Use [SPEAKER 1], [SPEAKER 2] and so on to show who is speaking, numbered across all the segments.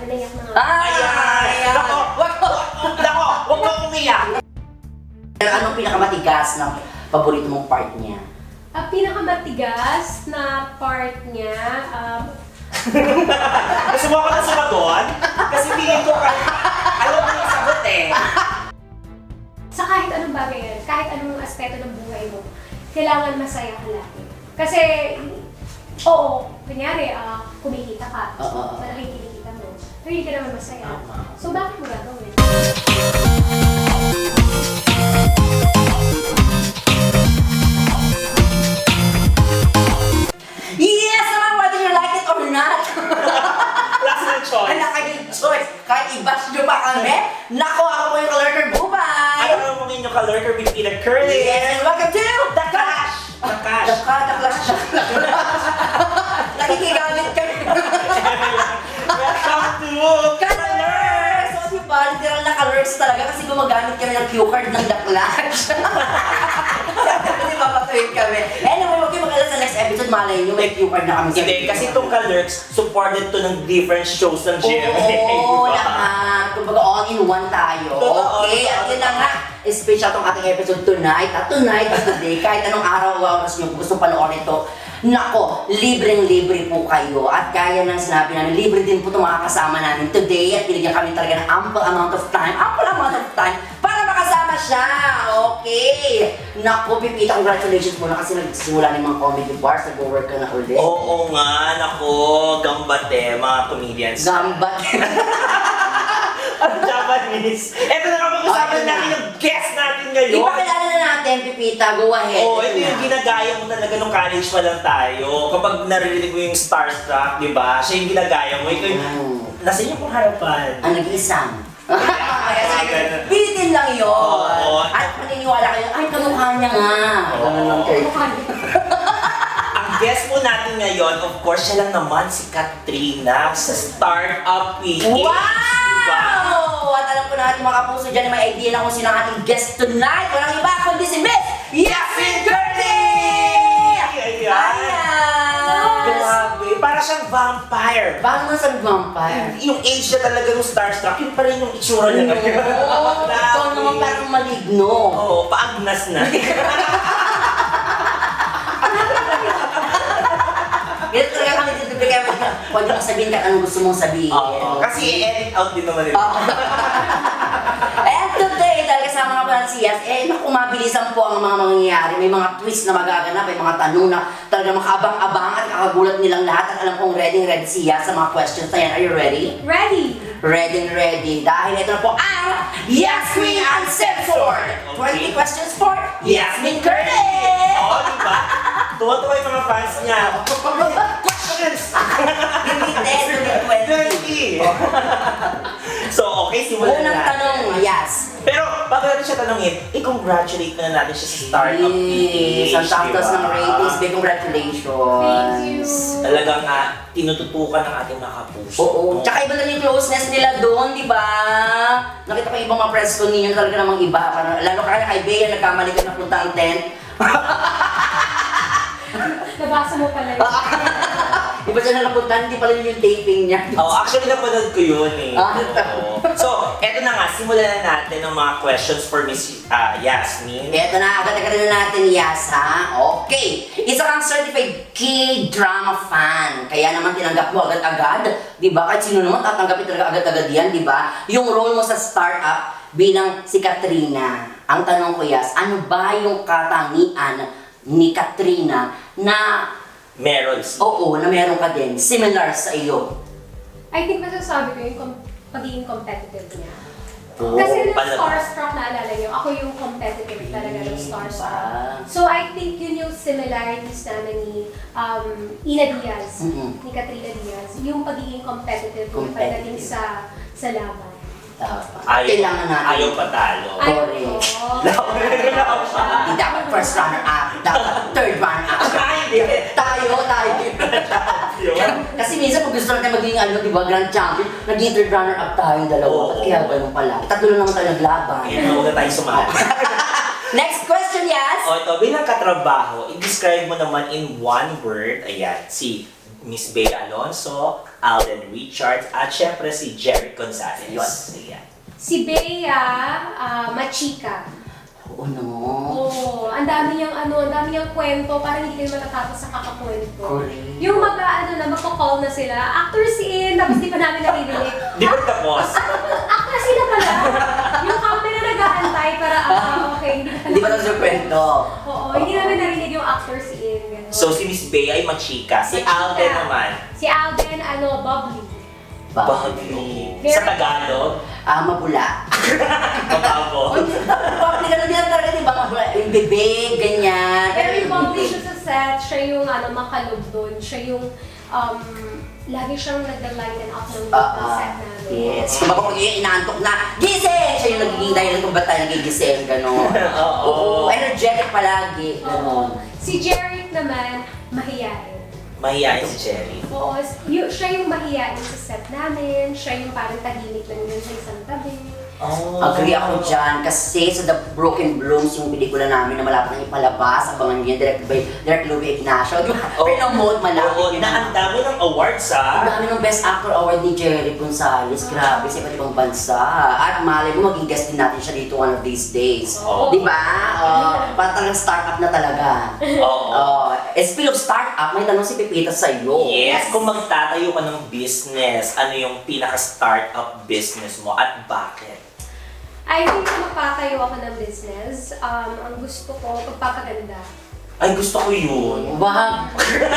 [SPEAKER 1] naiyak na nga.
[SPEAKER 2] Ayan! Wag mo umiyak! Anong pinakamatigas na paborito mong part niya?
[SPEAKER 1] Ang pinakamatigas na part niya,
[SPEAKER 3] Gusto mo ako na sumagot? Kasi feeling ko alam mo yung sagot eh.
[SPEAKER 1] sa kahit anong bagay yan, kahit anong aspeto ng buhay mo, kailangan masaya ka lagi. Kasi, oo, kunyari, kumikita ka,
[SPEAKER 2] Oo.
[SPEAKER 1] malaking kinikita mo, pero hindi ka naman masaya. So, bakit mo gagawin?
[SPEAKER 2] Yes naman, whether you like it or not!
[SPEAKER 3] Last na choice.
[SPEAKER 2] Wala kayong choice. Kahit i-bash nyo pa kami, nako, ako po yung ka-lurker bubay!
[SPEAKER 3] Ano naman mong inyong ka-lurker with Peter Curly?
[SPEAKER 2] Yes, and welcome to
[SPEAKER 3] The Clash! The Clash!
[SPEAKER 2] The Clash! Nakikigamit kami.
[SPEAKER 3] Welcome to
[SPEAKER 2] Colors! So, diba, literal na colors talaga kasi gumagamit kami ng cue card ng The Clash. Kasi papatuhin kami. Anyway, huwag kayo mag-alala sa next episode, malay nyo, may cue card na kami sa
[SPEAKER 3] Hindi, kasi itong ka-lurks, supported to ng different shows ng GMA.
[SPEAKER 2] Oo, lahat. Kumbaga, all-in-one tayo.
[SPEAKER 3] Totoo,
[SPEAKER 2] Okay, at yun na nga. Special tong ating episode tonight. At today, kahit anong araw o oras nyo, kung gusto panoorin ito, nako, libreng-libre po kayo. At gaya ng sinabi namin, libre din po itong mga kasama namin today. At binigyan kami talaga ng ample amount of time para makasama siya. Okay. Nako, Pipita, congratulations muna kasi nagsimula ng mga comedy bars. Nag-work ka na ulit.
[SPEAKER 3] Oo nga, nako, gambate, mga comedians.
[SPEAKER 2] Gambat.
[SPEAKER 3] Ang Japanese. Ito na kapag usapan
[SPEAKER 2] Ayun na.
[SPEAKER 3] natin yung guest natin ngayon.
[SPEAKER 2] Ipakilala na natin, Pipita. Go ahead.
[SPEAKER 3] Oo, ito
[SPEAKER 2] na.
[SPEAKER 3] yung ginagaya mo talaga nung college pa lang tayo. Kapag naririnig mo yung starstruck, di ba? Siya yung ginagaya mo. Ikaw yung, nasa inyo pong harapan.
[SPEAKER 2] Ang nag-iisang.
[SPEAKER 3] Ganun.
[SPEAKER 2] Pilitin lang yun.
[SPEAKER 3] Oo.
[SPEAKER 2] At maniniwala kayo, ay, kamukha niya nga.
[SPEAKER 3] Oo.
[SPEAKER 2] Ganun lang kayo.
[SPEAKER 3] Ang guest po natin ngayon, of course, siya lang naman si Katrina sa Startup PH. Diba?
[SPEAKER 2] Wow! At alam ko na natin mga kapuso dyan na may idea na kung sino ang ating guest tonight. Walang iba kundi si Miss Yasmin Curtis!
[SPEAKER 3] Ayan.
[SPEAKER 2] Ayan!
[SPEAKER 3] Grabe. Para siyang vampire.
[SPEAKER 2] Bakit naman sabi vampire?
[SPEAKER 3] Yung age niya talaga ng starstruck, yun pa rin yung itsura niya ngayon.
[SPEAKER 2] Oo, ikaw naman parang maligno.
[SPEAKER 3] Oo, paagnas na.
[SPEAKER 2] Ganito talaga kami dito kaya pwede kang sabihin ka anong gusto mong sabihin.
[SPEAKER 3] Oo, kasi i-edit out din naman nila.
[SPEAKER 2] And today, dahil kasama nga pala si Yas, naku, mabilisan po ang mga mangyayari. May mga twist na magaganap, may mga tanong na talaga makabang-abang at kakagulat nilang lahat. At alam kong ready si Yas sa mga questions na yan. Are you ready?
[SPEAKER 1] Ready!
[SPEAKER 2] Ready. Dahil ito na po ang Yas Queen Uncensored! 20 questions for Yasmin Curtis!
[SPEAKER 3] Oo, diba? Tuwa-tuwa yung mga fans niya. Questions!
[SPEAKER 2] Hindi 10, hindi 20.
[SPEAKER 3] 20! So, okay, simulan na
[SPEAKER 2] Unang
[SPEAKER 3] natin.
[SPEAKER 2] tanong, Yas.
[SPEAKER 3] Pero, bago natin siya tanongin, i-congratulate na natin siya sa Startup PH.
[SPEAKER 2] Yes, ang tapos ng ratings. Big congratulations.
[SPEAKER 1] Thank you.
[SPEAKER 3] Talagang tinututukan ng ating mga kapuso.
[SPEAKER 2] Oo. Tsaka iba na yung closeness nila doon, di ba? Nakita ko yung ibang mga press con ninyo talaga namang iba. Lalo kaya kay Bea, nagkamali ka na punta ang tent.
[SPEAKER 1] Nabasa mo pala yun.
[SPEAKER 2] Iba siya na napunta, hindi pala yun yung taping niya.
[SPEAKER 3] Oh, actually, napanood ko yun eh.
[SPEAKER 2] Ah.
[SPEAKER 3] Oo. So, eto na nga, simulan na natin ng mga questions for Miss Yasmin.
[SPEAKER 2] Eto na, agad-agad na natin, Yas, ha? Okay. Isa kang certified K-drama fan. Kaya naman tinanggap mo agad-agad. Di ba? Kahit sino naman tatanggapin talaga agad-agad yan, di ba? Yung role mo sa startup bilang si Katrina. Ang tanong ko, Yas, ano ba yung katangian ni Katrina na
[SPEAKER 3] Meron si...
[SPEAKER 2] oo, na meron ka din, similar sa iyo?
[SPEAKER 1] I think masasabi ko yung pagiging competitive niya.
[SPEAKER 2] Oo,
[SPEAKER 1] Kasi nung
[SPEAKER 3] pala.
[SPEAKER 1] starstruck, naalala niyo, ako yung competitive talaga ng starstruck.
[SPEAKER 2] Ah.
[SPEAKER 1] So I think yun yung similarities namin ni Ina Diaz,
[SPEAKER 2] Mhm.
[SPEAKER 1] ni Katrina Diaz, yung pagiging competitive niya pagdating sa laban.
[SPEAKER 2] Kailangan natin.
[SPEAKER 3] Ayaw patalo.
[SPEAKER 1] Ayaw
[SPEAKER 2] Correct.
[SPEAKER 1] ko.
[SPEAKER 2] Hindi dapat first runner up, dapat third runner up. Tayo. Kasi minsan pag gusto natin maging di ba, grand champion, naging third runner up tayong dalawa.
[SPEAKER 3] Oo.
[SPEAKER 2] Ba't kaya ganun pala? Tatlo lang naman tayo naglaban.
[SPEAKER 3] Ngayon, mauna tayo sumali.
[SPEAKER 2] Next question, Yas!
[SPEAKER 3] O ito, bilang katrabaho, i-describe mo naman in one word, ayan, si Miss Bea Alonso Alden Richards, at syempre si Jerry Gonzalez.
[SPEAKER 2] Yes.
[SPEAKER 3] Ayan.
[SPEAKER 1] Si Bea Machika.
[SPEAKER 2] Oo, no.
[SPEAKER 1] Oo, ang dami niyang kwento, parang hindi kayo matatapos sa kakakwento.
[SPEAKER 2] Correct.
[SPEAKER 1] Yung magko-call na sila, actors in, tapos di pa namin naririnig.
[SPEAKER 3] Di ba tapos?
[SPEAKER 1] Actors sila pala. Yung camera nag-aantay para, okay,
[SPEAKER 2] Hindi ba lang sa kwento?
[SPEAKER 1] Oo, hindi namin narinig yung actors in. Ganun.
[SPEAKER 3] So si Miss Bea ay machika. Si
[SPEAKER 1] Machika.
[SPEAKER 3] Alden naman,
[SPEAKER 1] Si Alden, bubbly.
[SPEAKER 3] bahagi.
[SPEAKER 1] Very-
[SPEAKER 3] Sa Tagalog,
[SPEAKER 2] Mabula.
[SPEAKER 3] mababo.
[SPEAKER 2] Public ano din talaga, di ba? Mabula. Yung bibig, ganyan.
[SPEAKER 1] Pero yung bubbly siya sa set, siya yung makalog doon. Siya yung, lagi siyang nag-lighten up ng set namin.
[SPEAKER 2] Yes. Kung baka kung inaantok na, gising! Siya yung nagiging dahilan kung ba't tayo nagigising, gano'n. Oo. Energetic palagi, gano'n.
[SPEAKER 1] Si Jeric naman, mahiyain.
[SPEAKER 3] Mahihayin si Jerry.
[SPEAKER 1] Oo, siya yung mahiyain sa set namin, siya yung parang tahimik lang yun sa isang tabi.
[SPEAKER 3] Oh.
[SPEAKER 2] Agree ako dyan kasi sa The Broken Blooms, yung pelikula namin na malapit nang ipalabas, abangan niyo, direct Louie Ignacio. Di ba? Pinomote malapit
[SPEAKER 3] Oo,
[SPEAKER 2] yun.
[SPEAKER 3] na ang dami ng awards
[SPEAKER 2] Ang
[SPEAKER 3] ha.
[SPEAKER 2] dami ng Best Actor Award ni Jerry Gonzalez. Grabe, sa iba't ibang bansa. At malay mo, maging guest din natin siya dito one of these days.
[SPEAKER 1] Oo.
[SPEAKER 2] Di ba? Parang talagang start-up na talaga.
[SPEAKER 3] Oo.
[SPEAKER 2] Speaking of start-up, may tanong si Pipita sa'yo.
[SPEAKER 3] Yes, kung magtatayo ka ng business, ano yung pinaka-startup business mo at bakit?
[SPEAKER 1] I think magpatayo ako ng business. Ang gusto ko, pagpapaganda.
[SPEAKER 3] Ay, gusto ko yun.
[SPEAKER 2] Wah!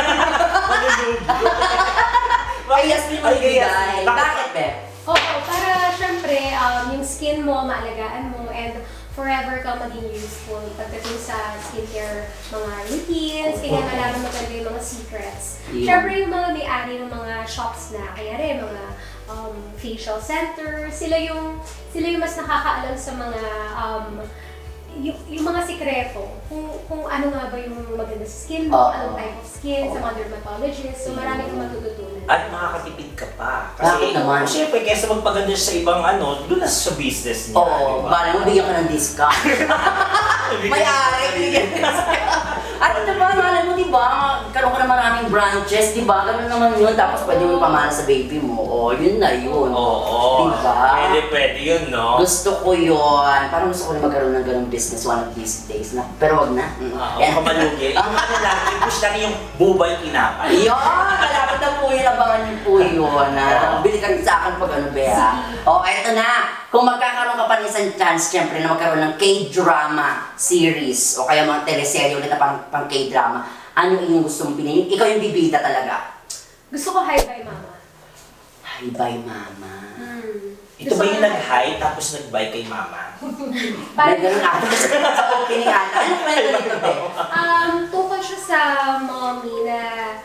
[SPEAKER 2] Ay, Yasmin mo ibigay. Bakit, Beb?
[SPEAKER 1] Oo, para syempre, yung skin mo, maalagaan mo, and forever kang maging useful pagdating sa skincare, mga routines, kaya malaman mo talaga yung mga secrets.
[SPEAKER 2] Yeah.
[SPEAKER 1] Syempre, yung mga may-ari ng mga shops na, kaya rin, mga facial center, sila yung mas nakakaalam sa mga yung mga sikreto, kung ano nga ba yung maganda sa skin mo, anong type of skin, sa mga dermatologist, so marami kang matututunan.
[SPEAKER 3] At makakatipid ka pa.
[SPEAKER 2] Bakit naman?
[SPEAKER 3] Siyempre, kaysa magpaganda siya sa ibang doon na sa business niya.
[SPEAKER 2] Oo, bala mo bigyan ka ng discount. May-ari, bigyan ka ng discount. At diba, malay mo, diba, karoon ka na maraming branches, diba, gano'n naman yun, tapos pwede mo ipamana sa baby mo, yun na yun.
[SPEAKER 3] Oo.
[SPEAKER 2] Diba?
[SPEAKER 3] Pwede yun, no?
[SPEAKER 2] Gusto ko yun. Parang gusto ko na magkaroon ng ganong business one of these days. Pero wag na.
[SPEAKER 3] Oo,
[SPEAKER 2] Yan.
[SPEAKER 3] kamalugi. Ang ano lang, i-push lang yung bubay tinapay.
[SPEAKER 2] Yun! Malapit na po yun. Abangan niyo po yun. Bili ka rin sa akin pag ano, Bea. Eto na. Kung magkakaroon ka pa ng isang chance, syempre, na magkaroon ng K-drama series o kaya mga teleserye ulit na pang K-drama, ano yung gusto mong pinayin? Ikaw yung bibida talaga.
[SPEAKER 1] Gusto ko Hi Bye Mama.
[SPEAKER 2] Hi, bye, mama.
[SPEAKER 3] Ito ba yung nag-hi tapos nag-bye kay mama?
[SPEAKER 2] May ganun ata sa opening ata. Ano kwento nito, Be?
[SPEAKER 1] Tungkol siya sa mommy na,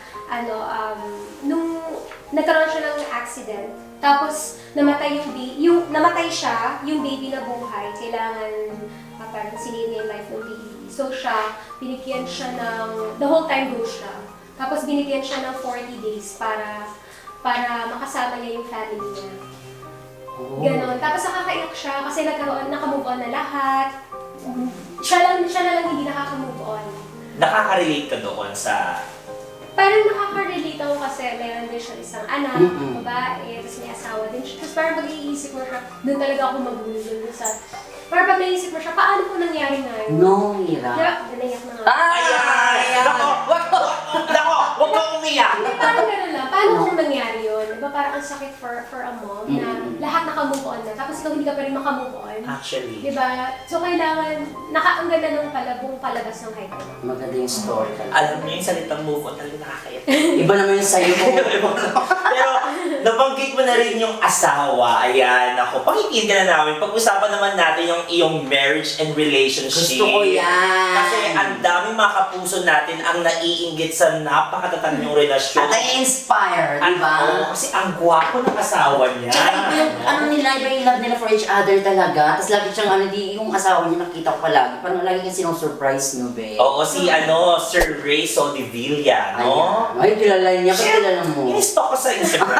[SPEAKER 1] nung nagkaroon siya ng accident, tapos namatay namatay siya, yung baby na buhay, kailangan parang sinave niya yung life ng baby. So siya, binigyan siya ng, the whole time go siya. Tapos binigyan siya ng 40 days para makasama niya yung family niya. Ganon. Tapos nakakaiyak siya kasi naka-move on na lahat. Siya na lang hindi nakaka-move on.
[SPEAKER 3] Nakaka-relate ka doon sa...
[SPEAKER 1] Parang nakaka-relate ako kasi meron din siya isang anak, babae, tapos may asawa din siya. Tapos parang mag-iisip mo siya, doon talaga ako magulo sa... Parang pag naisip mo siya, paano po nangyari ngayon?
[SPEAKER 2] No, hirap.
[SPEAKER 1] Diba? Naiyak na nga.
[SPEAKER 2] Ayan!
[SPEAKER 3] Nako! Huwag kang umiyak!
[SPEAKER 1] Hindi, parang gano'n lang. Paano kung nangyari yun? Diba parang ang sakit for a mom na lahat naka-move on na, tapos ikaw hindi ka pa rin maka-move on.
[SPEAKER 3] Actually.
[SPEAKER 1] Diba? So kailangan, ang ganda ng buong palabas ng Hi Bye Mama.
[SPEAKER 2] Maganda yung story talaga.
[SPEAKER 3] Alam mo yung salitang move on talaga nakakaiyak.
[SPEAKER 2] Iba naman yung sa'yo mo.
[SPEAKER 3] Pero nabanggit mo na rin yung asawa. Ayan, ako. Pakikinig ka na namin. Pag-usapan naman natin yung iyong marriage and relationship.
[SPEAKER 2] Gusto ko yan.
[SPEAKER 3] Kasi ang daming mga kapuso natin ang naiinggit sa napakatatag niyong relasyon.
[SPEAKER 2] At nai-inspire, di ba?
[SPEAKER 3] Oo, kasi ang gwapo ng asawa niya.
[SPEAKER 2] Tsaka iba yung, ano nila, iba yung love nila for each other talaga. Tapos lagi siyang, yung asawa niya nakita ko palagi. Parang lagi kang sinusurprise niyo, be.
[SPEAKER 3] Oo, si Sir Ray Soldevilla, no?
[SPEAKER 2] Ay, kilala niya. Ba't kilala mo?
[SPEAKER 3] In-stalk ko sa Instagram.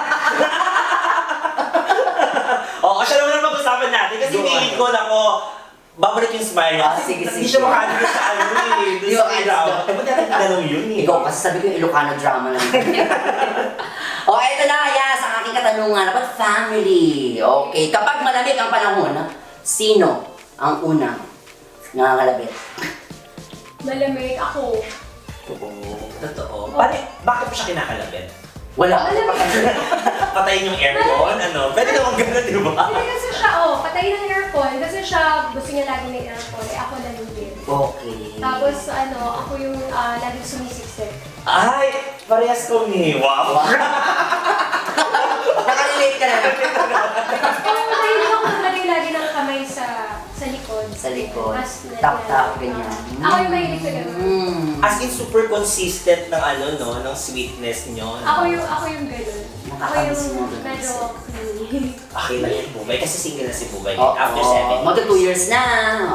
[SPEAKER 3] Oo, siya naman ang pag-usapan natin kasi feeling ko na babalik yung smile niya.
[SPEAKER 2] Sige,
[SPEAKER 3] Hindi
[SPEAKER 2] sige.
[SPEAKER 3] siya makalimutan sa ano eh.
[SPEAKER 2] Di ba,
[SPEAKER 3] Doon sa drama. Ba't natin tinanong yun eh?
[SPEAKER 2] Ikaw kasi sabi ko yung Ilocano drama lang. O, eto na, yan, sa aking katanungan. About family. Okay, kapag malamig ang panahon, sino ang unang nangangalabit?
[SPEAKER 1] Malamig ako.
[SPEAKER 3] Totoo. Bakit mo siya kinakalabit?
[SPEAKER 2] Wala.
[SPEAKER 3] Patayin yung aircon? Ano? Pwede naman gano'n, di ba?
[SPEAKER 1] Hindi kasi siya, patay ng aircon. Kasi siya, gusto niya lagi ng aircon. Eh, ako nalugin.
[SPEAKER 2] Okay.
[SPEAKER 1] Tapos, ako yung laging sumisiksik.
[SPEAKER 3] Ay! Parehas kami. Wow!
[SPEAKER 2] Nakalilate ka na.
[SPEAKER 1] Kaya mahilig ako maglagay lagi ng kamay sa likod.
[SPEAKER 2] Sa likod.
[SPEAKER 1] Mas
[SPEAKER 2] Tap-tap, ganyan.
[SPEAKER 1] Ako yung mahilig sa ganun.
[SPEAKER 3] As in, super consistent ng ng sweetness nyo.
[SPEAKER 1] Ako yung ganun. Ako
[SPEAKER 2] Nakakamiss
[SPEAKER 1] yung
[SPEAKER 2] mo ganun.
[SPEAKER 1] medyo clingy.
[SPEAKER 3] Okay lang yan, Bubay. Kasi single na si Bubay.
[SPEAKER 2] Oo.
[SPEAKER 3] After 7
[SPEAKER 2] Magka 2 years na.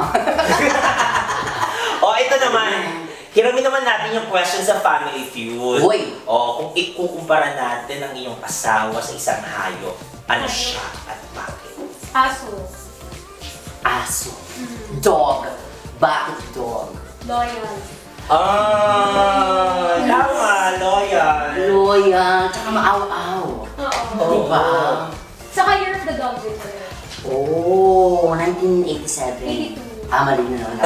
[SPEAKER 3] Ito naman. Hiramin naman natin yung question sa Family Feud.
[SPEAKER 2] Uy.
[SPEAKER 3] Kung ikukumpara natin ang iyong asawa sa isang hayop, ano siya at bakit?
[SPEAKER 1] Aso.
[SPEAKER 2] Aso. Dog. Bakit dog?
[SPEAKER 1] Loyal.
[SPEAKER 3] Tama, loyal.
[SPEAKER 2] Loyal. Tsaka maaw-aw.
[SPEAKER 1] Oo.
[SPEAKER 2] Diba?
[SPEAKER 1] Saka Year of the Dog din ko yun.
[SPEAKER 2] Oh, 1987.
[SPEAKER 1] 82.
[SPEAKER 2] Mali na naman.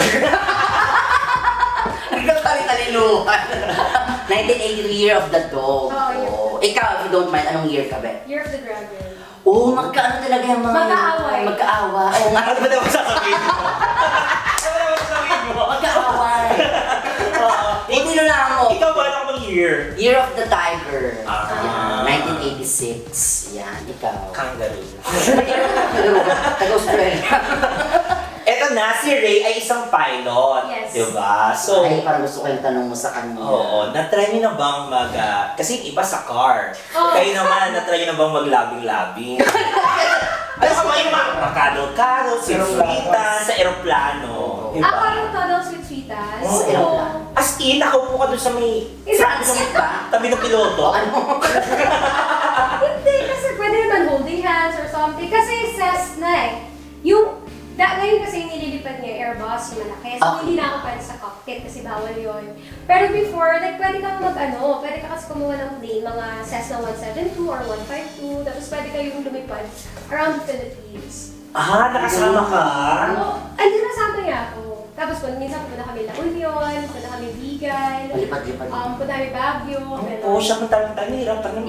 [SPEAKER 2] Nagkatali-taliluhan. 1983 Year of the Dog.
[SPEAKER 1] Oo,
[SPEAKER 2] Ikaw, if you don't mind, anong year ka ba?
[SPEAKER 1] Year of the Dragon.
[SPEAKER 2] Oh, magkaano talaga yung mga...
[SPEAKER 1] Magkaaway.
[SPEAKER 2] Magkaawa. Oo nga.
[SPEAKER 3] Ano ba naman sasabihin mo? Ano ba naman sasabihin mo?
[SPEAKER 2] Magkaaway. Hindi na lang mo.
[SPEAKER 3] Ikaw ba ano bang year?
[SPEAKER 2] Year of the Tiger.
[SPEAKER 3] Ah.
[SPEAKER 2] Yan, 1986. Yan, ikaw.
[SPEAKER 3] Kangaroo.
[SPEAKER 2] Taga-Australia.
[SPEAKER 3] Eto na, si Ray ay isang pilot.
[SPEAKER 1] Yes.
[SPEAKER 3] Diba? So,
[SPEAKER 2] Ay, parang gusto ko yung tanong mo sa kanya.
[SPEAKER 3] oo, na-try niyo na bang kasi yung iba sa car.
[SPEAKER 1] Oo.
[SPEAKER 3] Kayo naman, na-try niyo na bang maglabing-labing? Ano ka ba yung makakado-kado, sweet-sweetan sa aeroplano? Diba?
[SPEAKER 1] Ako yung Toddles with Sweetas.
[SPEAKER 3] Oo.
[SPEAKER 1] So,
[SPEAKER 3] As in, nakaupo ka dun sa may
[SPEAKER 2] Transit ba?
[SPEAKER 3] tabi ng piloto.
[SPEAKER 2] Ano?
[SPEAKER 1] hindi kasi pwede naman holding hands or something. Kasi Cessna eh. Ngayon kasi yung nililipad niya, Airbus, yung malaki. So,
[SPEAKER 2] Okay.
[SPEAKER 1] hindi na ako pwede sa cockpit kasi bawal yun. Pero before, pwede kang pwede ka kasi kumuha ng plane, mga Cessna 172 or 152, tapos pwede kayong lumipad around the Philippines.
[SPEAKER 3] Nakasama ka?
[SPEAKER 1] Andi nasama niya ako. Tapos minsan punta kami La Union, punta kami Vigan,
[SPEAKER 2] Malipad-lipad.
[SPEAKER 1] punta kami Baguio,
[SPEAKER 3] Oo, siya man talagang nahirapan ng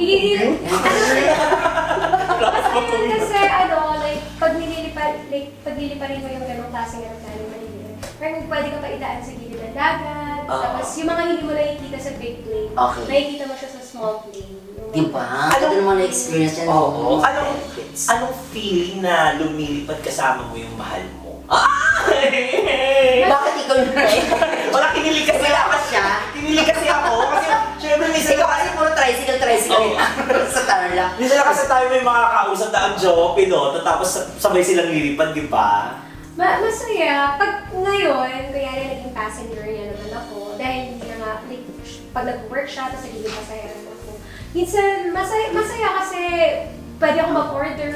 [SPEAKER 1] Kasi pag niliparin mo yung ganong klaseng aeroplano, maliliit. Parang pwede ka pa idaan sa gilid ng dagat. Tapos yung mga hindi mo nakikita sa big plane,
[SPEAKER 2] Okay.
[SPEAKER 1] nakikita mo siya sa small plane.
[SPEAKER 2] Diba? Ano naman na-experience yan?
[SPEAKER 3] Oo.
[SPEAKER 2] Benefits.
[SPEAKER 3] Anong feeling na lumilipad kasama mo yung mahal mo?
[SPEAKER 2] Bakit ikaw yun?
[SPEAKER 3] Wala, kinilig kasi
[SPEAKER 2] Wala
[SPEAKER 3] ako.
[SPEAKER 2] ka siya?
[SPEAKER 3] Kinilig kasi ako. Kasi, syempre, minsan
[SPEAKER 2] Ikaw kasi puro tricycle
[SPEAKER 3] Oo.
[SPEAKER 2] sa tarla.
[SPEAKER 3] minsan na kasi tayo may mga kausap na ang jowa, piloto, tapos sabay silang lilipad, di ba?
[SPEAKER 1] Masaya. Pag ngayon, kaya naging passenger niya naman ako, dahil hindi na nga, pag nag-work siya, tapos nagiging pasahero na ako. Minsan, masaya kasi pwede ako mag-order.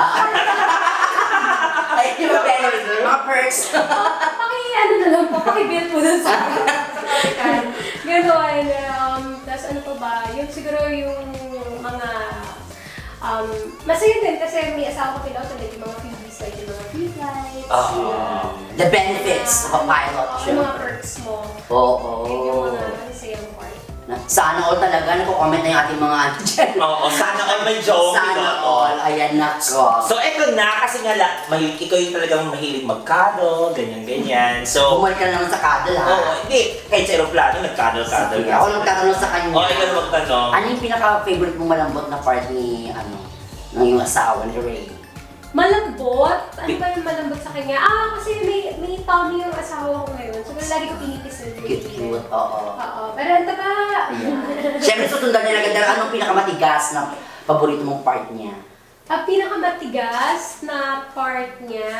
[SPEAKER 2] Ay, yung benefits, mga perks.
[SPEAKER 1] Na lang po, paki-bill po dun sa kan. Ganon. Tapos ano pa ba? Yung siguro yung mga masaya din kasi may asawa ko piloto, like yung mga freebies, like yung mga free flights.
[SPEAKER 2] The benefits of a pilot.
[SPEAKER 1] Yung mga perks mo.
[SPEAKER 2] Oo.
[SPEAKER 1] Yun yung mga masayang part.
[SPEAKER 2] Sana all talaga, nako-comment na yung ating mga ano dyan.
[SPEAKER 3] Oo, sana ay may jowa,
[SPEAKER 2] Sana
[SPEAKER 3] piloto.
[SPEAKER 2] all, ayan na ko.
[SPEAKER 3] So, eto na, kasi nga, ikaw yung talagang mahilig magkado, ganyan-ganyan. So,
[SPEAKER 2] Bumalik ka na naman sa cuddle ha.
[SPEAKER 3] oo, hindi. Kahit sa aeroplano, nagkado-kado.
[SPEAKER 2] Sige, ako lang tatanong sa kanya.
[SPEAKER 3] Ikaw na magtanong.
[SPEAKER 2] Ano yung pinaka-favorite mong malambot na part ni, ng yung asawa ni Ray?
[SPEAKER 1] Malambot? Ano ba yung malambot sa kanya? Kasi may tummy yung asawa ko ngayon. So, lagi ko pinipisil.
[SPEAKER 2] Cute, oo.
[SPEAKER 1] Oo. Pero ang taba.
[SPEAKER 2] Yeah. Siyempre, susundan niya agad. Anong pinakamatigas na paborito mong part niya?
[SPEAKER 1] Ang pinakamatigas na part niya,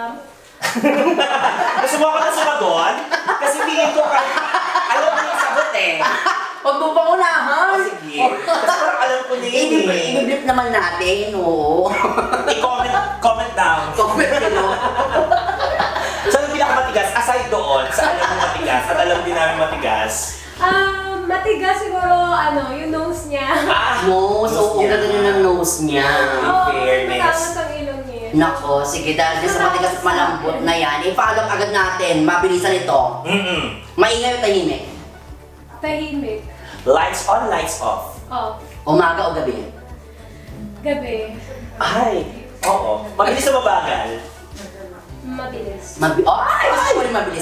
[SPEAKER 3] Gusto mo ako na sumagot? Kasi feeling ko alam mo yung sagot eh.
[SPEAKER 2] Huwag mo pa unahan!
[SPEAKER 3] Sige. Kasi parang alam ko na yun eh.
[SPEAKER 2] I-blip naman natin, oo.
[SPEAKER 3] Comment down.
[SPEAKER 2] Comment nyo.
[SPEAKER 3] So, yung pinakamatigas, aside doon, sa alam mo matigas at alam din namin matigas,
[SPEAKER 1] matigas matigas siguro, yung nose niya.
[SPEAKER 2] Nose, oo, ang ganda ng nose niya.
[SPEAKER 1] Oo,
[SPEAKER 3] fairness.
[SPEAKER 1] matamas ang ilong niya.
[SPEAKER 2] Nako, sige, dahil din sa matigas at malambot na yan, i-follow up agad natin, mabilisan ito. Maingay o tahimik?
[SPEAKER 1] Tahimik.
[SPEAKER 3] Lights on, lights off.
[SPEAKER 1] Oh,
[SPEAKER 2] Umaga o gabi?
[SPEAKER 1] gabi.
[SPEAKER 3] Ay, oo. Mabilis na mabagal.
[SPEAKER 1] Mabilis.
[SPEAKER 2] Ay, gusto ko rin mabilis.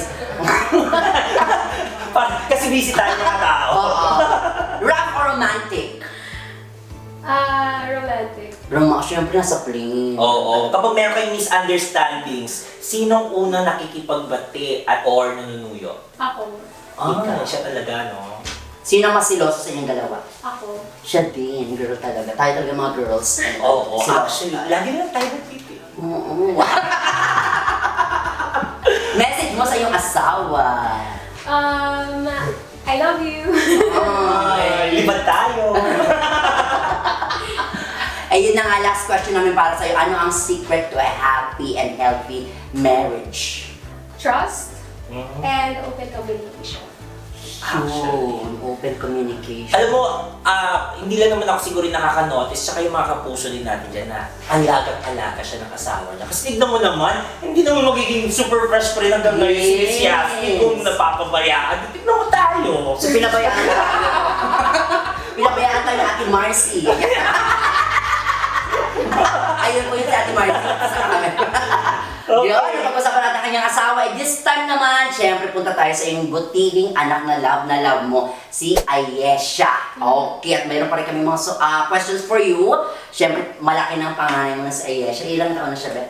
[SPEAKER 3] Kasi busy tayo mga tao.
[SPEAKER 2] Oo. Rap or romantic?
[SPEAKER 1] Romantic.
[SPEAKER 2] Siyempre nasa plane.
[SPEAKER 3] Oo. Kapag meron kayong misunderstandings, sinong unang nakikipagbati at or nanunuyo?
[SPEAKER 1] Ako.
[SPEAKER 3] Ikaw, siya talaga, no?
[SPEAKER 2] Sino ang mas siloso sa inyong dalawa?
[SPEAKER 1] Ako.
[SPEAKER 2] Siya din, girl talaga. Tayo talaga mga girls.
[SPEAKER 3] Oo,
[SPEAKER 2] Siloso.
[SPEAKER 3] actually, lagi lang tayo nagpipi.
[SPEAKER 2] Oo. Message mo sa iyong asawa.
[SPEAKER 1] I love you.
[SPEAKER 3] Ay, libad tayo.
[SPEAKER 2] Ayun na nga, last question namin para sa'yo. Ano ang secret to a happy and healthy marriage?
[SPEAKER 1] Trust and open communication.
[SPEAKER 2] Yun, open communication.
[SPEAKER 3] Alam mo, hindi lang naman ako siguro nakaka-notice, tsaka yung mga kapuso din natin dyan na alaga siya ng asawa niya. Kasi tignan mo naman, hindi naman magiging super fresh pa rin hanggang ngayon si Miss Yasmin kung napapabayaan. Tignan mo tayo.
[SPEAKER 2] So, pinabayaan tayo. Pinabayaan tayo ni Ate Marcy. Ayun po yung si Ate Marcy. Sa kami. Yun, pag-usapan natin ang kanyang asawa. This time naman, syempre punta tayo sa iyong butihing anak na love mo, si Ayesha. Okay, at mayroon pa rin kami mga questions for you. Syempre, malaki ng panganay mo na si Ayesha. Ilang taon na siya, Beth?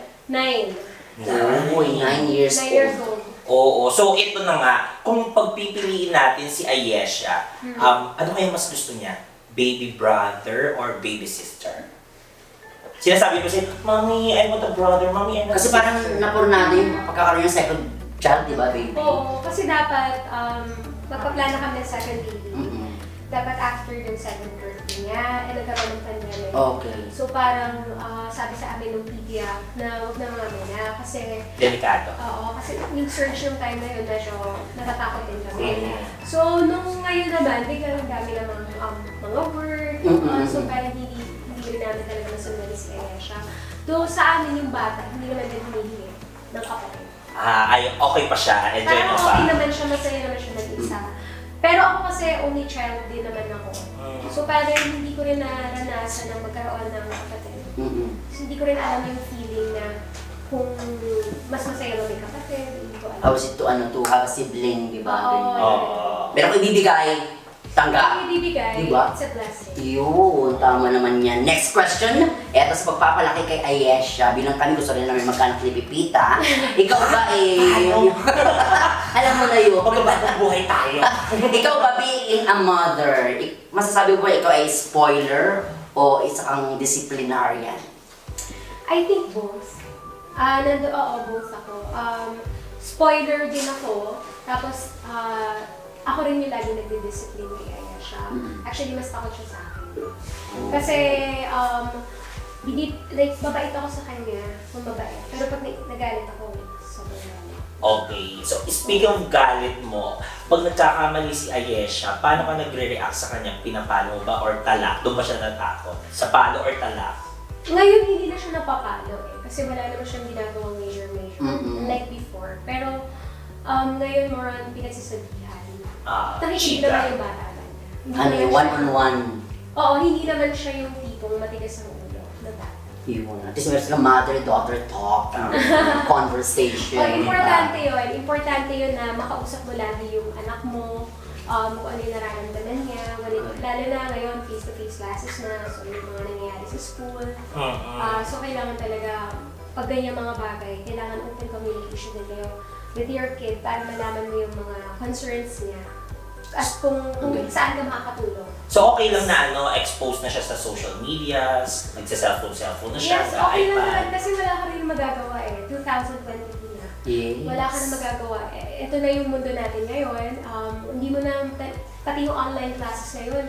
[SPEAKER 1] 9.
[SPEAKER 2] Uy, 9 years
[SPEAKER 1] 9 years
[SPEAKER 2] old.
[SPEAKER 1] old.
[SPEAKER 3] Oo, so ito na nga, kung pagpipiliin natin si Ayesha, ano kaya mas gusto niya? Baby brother or baby sister? Sinasabi ko siya, Mommy, I want a brother, Mommy, I want a
[SPEAKER 2] Kasi
[SPEAKER 3] sister.
[SPEAKER 2] parang napurnado yung pagkakaroon ng second child, di ba, baby?
[SPEAKER 1] Oo, kasi dapat magpaplano kami ng second baby.
[SPEAKER 2] Mm-mm.
[SPEAKER 1] Dapat after yung second birthday niya, nagkaroon ng pandemic.
[SPEAKER 2] Okay.
[SPEAKER 1] So parang sabi sa amin ng PDA na huwag na mga na kasi
[SPEAKER 3] Delikado.
[SPEAKER 1] kasi yung surge yung time na yun, medyo natatakot din kami.
[SPEAKER 3] Mm.
[SPEAKER 1] So nung ngayon naman, biglang dami namang mga work, so parang hindi rin namin talaga nasunod si Ayesha. Though sa amin yung bata, hindi naman din humihingi ng kapatid.
[SPEAKER 3] Ay, okay pa siya, enjoy
[SPEAKER 1] Parang
[SPEAKER 3] mo pa.
[SPEAKER 1] okay naman siya, masaya naman siya nag-isa. Pero ako kasi only child din naman ako. So parang hindi ko rin naranasan na magkaroon ng kapatid. So hindi ko rin alam yung feeling na kung mas masaya ba may kapatid, hindi ko alam.
[SPEAKER 2] How is it to have a sibling, di ba?
[SPEAKER 1] Oo.
[SPEAKER 2] Ganyan.
[SPEAKER 3] Oo.
[SPEAKER 2] Pero kung ibibigay, tanggap.
[SPEAKER 1] Kung ibibigay,
[SPEAKER 2] Diba?
[SPEAKER 1] it's a blessing.
[SPEAKER 2] Yun, tama naman yan. Next question. Eto sa pagpapalaki kay Ayesha, bilang kami gusto rin namin magkanak ni Pipita. Ikaw ba alam mo na yun.
[SPEAKER 3] Magbabagong buhay tayo.
[SPEAKER 2] Ikaw ba being a mother, masasabi mo ba ikaw ay spoiler o isa kang disciplinarian?
[SPEAKER 1] I think both. Both ako. Spoiler din ako. Tapos, ako rin yung lagi nagdi-discipline kay Ayesha. Actually, mas takot siya sa akin. Kasi, mabait ako sa kanya, kung mabait. Pero pag nagalit ako, sobrang galit.
[SPEAKER 3] Okay, so speaking of galit mo, pag nagkakamali si Ayesha, paano ka nagre-react sa kanya? Pinapalo ba or talak? Doon ba siya natakot? Sa palo or talak?
[SPEAKER 1] Ngayon, hindi na siya napapalo kasi wala naman siyang ginagawang major like before. Pero, ngayon more on pinagsasabihan. Nakikita naman yung bata lang.
[SPEAKER 2] Ano yung one-on-one?
[SPEAKER 1] Oo, hindi naman siya yung tipong matigas ang ulo na bata.
[SPEAKER 2] Yun. At least meron silang mother-daughter talk, conversation.
[SPEAKER 1] Importante yun. Importante yun na makausap mo lagi yung anak mo, kung ano yung nararamdaman niya. Lalo na ngayon, face-to-face classes na, so yung mga nangyayari sa school. So kailangan talaga, pag ganyan mga bagay, kailangan open communication din kayo with your kid para malaman mo yung mga concerns niya at kung saan ka makakatulong.
[SPEAKER 3] So okay lang na expose na siya sa social medias, nagsa-cellphone na siya
[SPEAKER 1] Yes,
[SPEAKER 3] sa
[SPEAKER 1] okay lang
[SPEAKER 3] iPad.
[SPEAKER 1] naman kasi wala ka rin magagawa 2022 na.
[SPEAKER 2] Yes.
[SPEAKER 1] Wala ka na magagawa. Ito na yung mundo natin ngayon. Hindi mo na, pati yung online classes ngayon,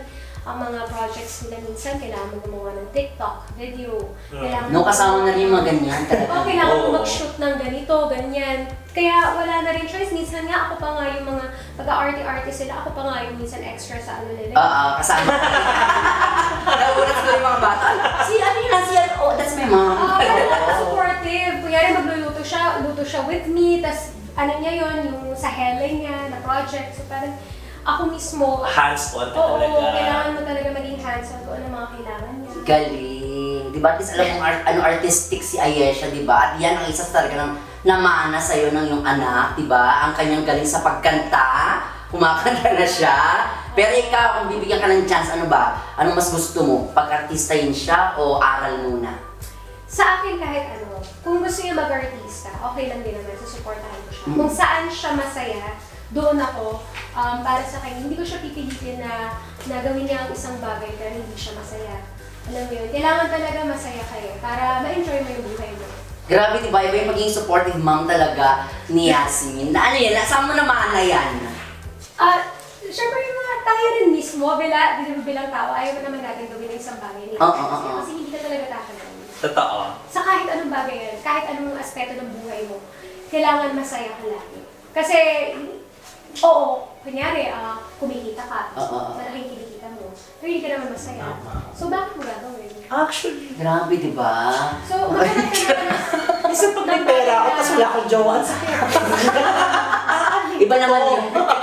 [SPEAKER 1] ang mga projects nila minsan, kailangan mo gumawa ng TikTok, video. Kailangan
[SPEAKER 2] No, kasama na rin yung mga ganyan talaga.
[SPEAKER 1] kailangan mo
[SPEAKER 3] Oo.
[SPEAKER 1] mag-shoot ng ganito, ganyan. Kaya wala na rin choice. Minsan nga ako pa nga yung mga pag-arty-arty sila, ako pa nga yung minsan extra sa ano nila.
[SPEAKER 2] Kasama. Nagulat siguro yung mga bata. Si ano yun, oh, that's my mom.
[SPEAKER 1] Supportive. Kunyari luto siya with me, tas ano niya yun, yung sa Helen niya, na project. So parang ako mismo,
[SPEAKER 3] Hands-on ka
[SPEAKER 1] oo,
[SPEAKER 3] talaga.
[SPEAKER 1] kailangan mo talaga maging hands-on kung ano mga kailangan niya.
[SPEAKER 2] Galing. Di ba? At least alam mo ano artistic si Ayesha, di ba? At yan ang isa talaga ng namana sa'yo ng iyong anak, di ba? Ang kanyang galing sa pagkanta, kumakanta na siya. Pero ikaw, kung bibigyan ka ng chance, ano ba? Anong mas gusto mo? Pag-artistahin siya o aral muna?
[SPEAKER 1] Sa akin kahit ano, kung gusto niya mag-artista, okay lang din naman, susuportahan ko siya. Kung saan siya masaya, doon ako, para sa kanya, hindi ko siya pipilitin na gawin niya ang isang bagay pero hindi siya masaya. Alam mo yun, kailangan talaga masaya kayo para ma-enjoy mo yung buhay mo.
[SPEAKER 2] Grabe, di ba? Iba yung maging supportive mom talaga ni Yasmin. Na ano yan? Saan mo naman na yan?
[SPEAKER 1] Siyempre yung mga tayo rin mismo, bilang tao, ayaw naman natin gawin ng isang bagay niya. Kasi hindi ka talaga tatagawin.
[SPEAKER 3] Totoo.
[SPEAKER 1] Sa kahit anong bagay yan, kahit anong aspeto ng buhay mo, kailangan masaya ka lagi. Kasi, oo, kunyari, kumikita ka, malaking kinikita mo, pero hindi ka naman masaya. So, bakit mo gagawin?
[SPEAKER 3] Actually,
[SPEAKER 2] Grabe, di ba?
[SPEAKER 1] So, maghanap ka naman.
[SPEAKER 3] minsan pag may pera ako, tapos wala akong jowa, ang sakit.
[SPEAKER 2] Iba naman yun.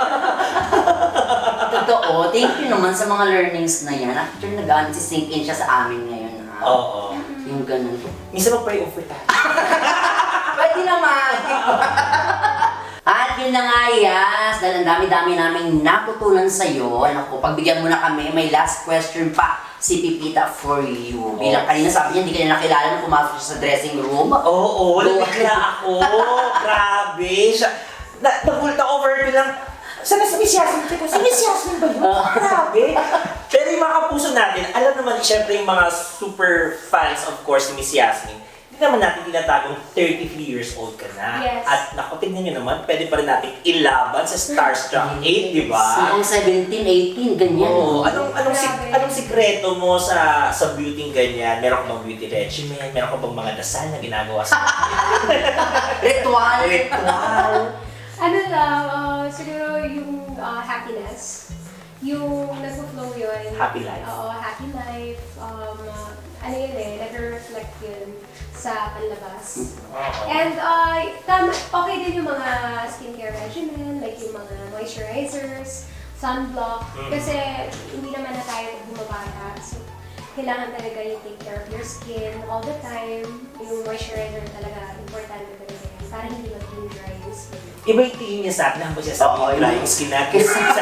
[SPEAKER 2] Totoo. Thank you naman sa mga learnings na yan. Actually, nag-sink in siya sa amin ngayon.
[SPEAKER 3] Oo.
[SPEAKER 2] Yung ganun.
[SPEAKER 3] Minsan mag-pray over tayo.
[SPEAKER 2] Pwede naman. At yun na nga, Yas. Dahil ang dami-dami naming natutunan sa'yo. Naku, pagbigyan mo na kami, may last question pa si Pipita for you. Bilang kanina sabi niya, hindi ka niya nakilala nung pumasok siya sa dressing room.
[SPEAKER 3] Oo, nabigla ako. Grabe. Nagulat ako over bilang, sana si Miss Yasmin? Si Miss Yasmin ba yun? Grabe. Pero yung mga kapuso natin, alam naman siyempre yung mga super fans of course ni Miss Yasmin, hindi naman natin tinatagong 33 years old ka na.
[SPEAKER 1] Yes.
[SPEAKER 3] At naku, tignan nyo naman, pwede pa rin natin ilaban sa Starstruck 8, di ba?
[SPEAKER 2] Noong 17, 18, ganyan.
[SPEAKER 3] Oo.
[SPEAKER 1] Grabe.
[SPEAKER 3] Anong sikreto mo sa beauty ganyan? Meron ka bang beauty regimen? Meron ka bang mga dasal na ginagawa sa
[SPEAKER 2] Ritual.
[SPEAKER 3] ritual?
[SPEAKER 1] Ano lang, siguro yung happiness. Yung nag-flow yun.
[SPEAKER 3] Happy life.
[SPEAKER 1] Oo, happy life. Ano yun nag-reflect yun sa panlabas. And okay din yung mga skincare regimen, like yung mga moisturizers, sunblock. Kasi hindi naman na tayo bumabata. So, kailangan talaga yung take care of your skin all the time. Yung moisturizer talaga, importante talaga yan. Para hindi maging dry yung skin.
[SPEAKER 3] Iba yung tingin niya sa akin na siya sabi
[SPEAKER 2] Oo,
[SPEAKER 3] yung dry yung skin natin.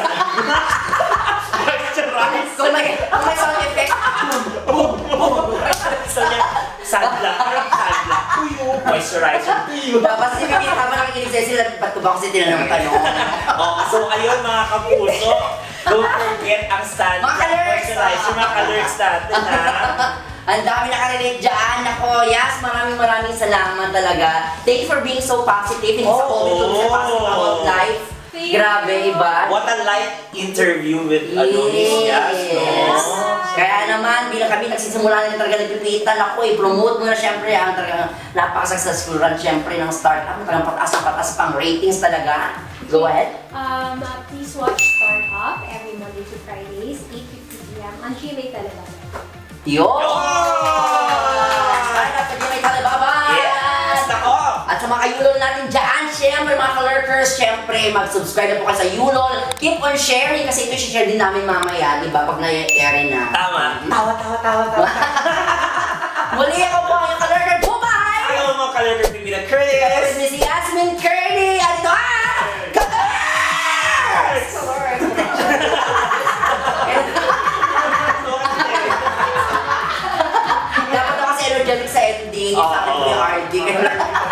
[SPEAKER 2] Kung may sound effect,
[SPEAKER 3] Gusto niya, sunblock. Parang sunblock. Tuyo. Moisturizer. Tuyo.
[SPEAKER 2] dapat si Pipita habang nakikinig sa'yo sila, ba't ko ba kasi tinanong tanong?
[SPEAKER 3] So ayun mga kapuso, don't forget ang sunblock
[SPEAKER 2] Mga ka-lurks!
[SPEAKER 3] moisturizer. Mga ka-lurks natin ha.
[SPEAKER 2] Ang dami nakarelate dyan. Ako, Yas, maraming salamat talaga. Thank you for being so positive. Hindi sa COVID, sa positive about life. Grabe, iba.
[SPEAKER 3] What a light interview with Miss Yas, no?
[SPEAKER 2] Kaya naman, bilang kami nagsisimula na talaga nagpipitan ako, i-promote mo na syempre ang talagang napaka-successful run syempre ng startup. Talagang pataas pang ratings talaga. Go ahead.
[SPEAKER 1] Please watch Startup every Monday to Fridays, 8:50 p.m. on GMA Television.
[SPEAKER 2] Yo! Startup sa Jimmy Talibaba!
[SPEAKER 3] Yes! Nako!
[SPEAKER 2] At sa mga kayulol natin dyan, syempre mga ka-lurkers, syempre mag-subscribe na po kayo sa Yulol. Keep on sharing kasi ito share din namin mamaya, di ba? Pag na-air na.
[SPEAKER 3] Tama. Tawa.
[SPEAKER 2] Muli ako po ang ka-lurker. Bye!
[SPEAKER 3] Ayaw mga ka-lurker, Pipita Curtis!
[SPEAKER 2] Kapag si Yasmin Curdy! At ito Dapat ako kasi energetic sa ending. Sa akin po yung RD.